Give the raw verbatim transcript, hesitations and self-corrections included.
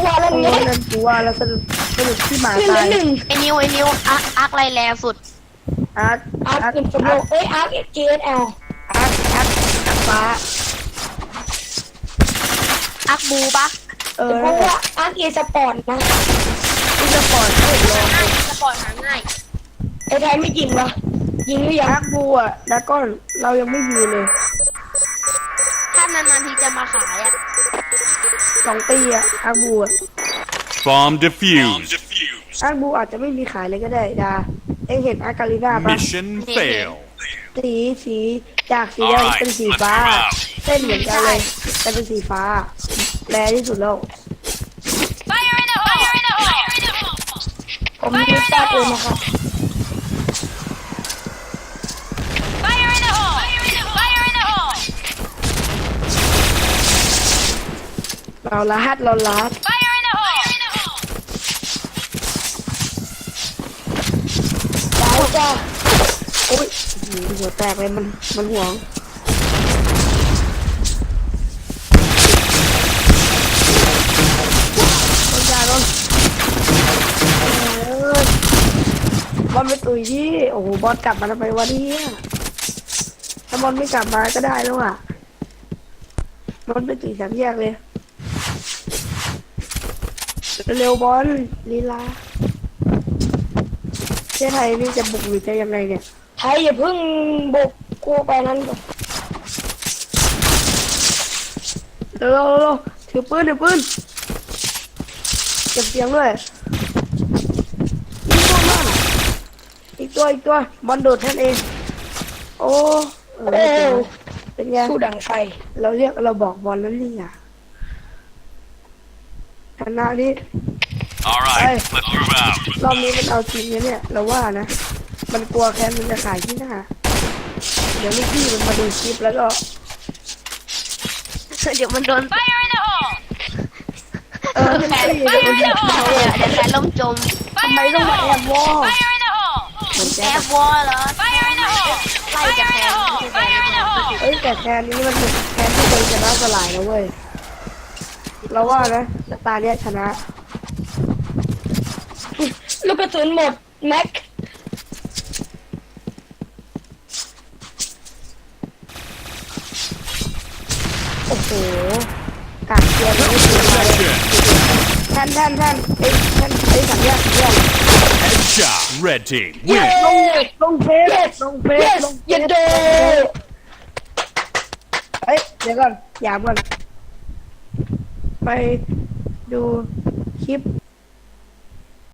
วาแล้วโอ้เงี้ยนั่นกูว่าแล้วสรุปสรุปที่หมาขึ้นตาแล้วยหนึ่งไอ้นิวไอ้นิวอาร์คอาร์คไรแรงสุดอาร์ตอาร์อาคร์ตเป็นสมโลเอ้ยอาร์คเจเอสแอลอาร์ตอาร์ตอาร์ตฟ้าอาร์คบูปะเออเพราะว่าอาร์คเอสปอร์ตนะที่สปอร์ตเล่นลองง่ายสปอร์ตหาง่ายไอ้ไทยไม่ยิงวะยิงหรือยังอาร์ตบูอ่ะดากอนเรายังไม่มีเลยถ้านานๆทีจะมาขายอ่ะสองตีอ่ะอาร์ตบูอ่ะ Bomb defused. อาร์ตบูอาจจะไม่มีขายเลยก็ได้ดาเอ็งเห็นอาร์กาลิน่าปะ Mission fail. สีสีจากสีแดงเป็นสีฟ้าเส้นเหมือนกันเลยแต่เป็นสีฟ้าแรงที่สุดแล้วผมไม่ทราบเลยนะครับเราลาดเราลาดดาวจ้าโอ้ยหือหัวแตกเลยมันมันห่วงต้นยาโดนเอ้ยบอลไปตุยที่โอ้โหบอลกลับมาทำไมวะเนี่ยถ้าบอลไม่กลับมาก็ได้แล้วอ่ะบอลไปตุยสามแยกเลยเร็วบอลลีลาเจ้าไทยนี่จะบุกหรือจะยังไงเนี่ยไทยอย่าเพิ่งบุกกูไปนั้นก่อนเร็วเร็วเร็วถือปืนถือปืนเก็บเสียงด้วยอีกตัวอีกตัวบอลโดดแทนเองโอ้เออเอ้ยเป็นไงสู้ดังไฟเราเรียกเราบอกบอลแล้วนี่อ่ะชนะนี่ All right, let's move out. รอบนี้มันเอาจริงนะเนี่ยเราว่านะมันกลัวแค้นมันจะขายที่หน้าเดี๋ยวลูกพี่มันมาดูคลิปแล้วก็เดี๋ยวมันโดนเออแฟนเดี๋ยวมันเดี๋ยวเดี๋ยวแฟนล่มจมทำไมต้องมาแอบวอลเหมือนแอแจ๊บวอลเหรอไล่จากแฟนไม่ใช่แฟนเอ้ยแต่แคนนี้มันเป็นแคนที่เคยชนะสลายนะเว้ยเราว่านะตาเนี้ยชนะลูกกระสุนหมดแม็กโอ้โหกากเกียร์ไม่ได้เลย Possession. ท่านท่านท่านเอ้ยท่านเอ้ยสัญญาสัญญา Headshot. Red team เย้ win. ลงเฟสลงเฟส yes ลงเฟยันสโดเฮ้ยเดี๋ยวก่อนอย่าก่อนไปดูคลิป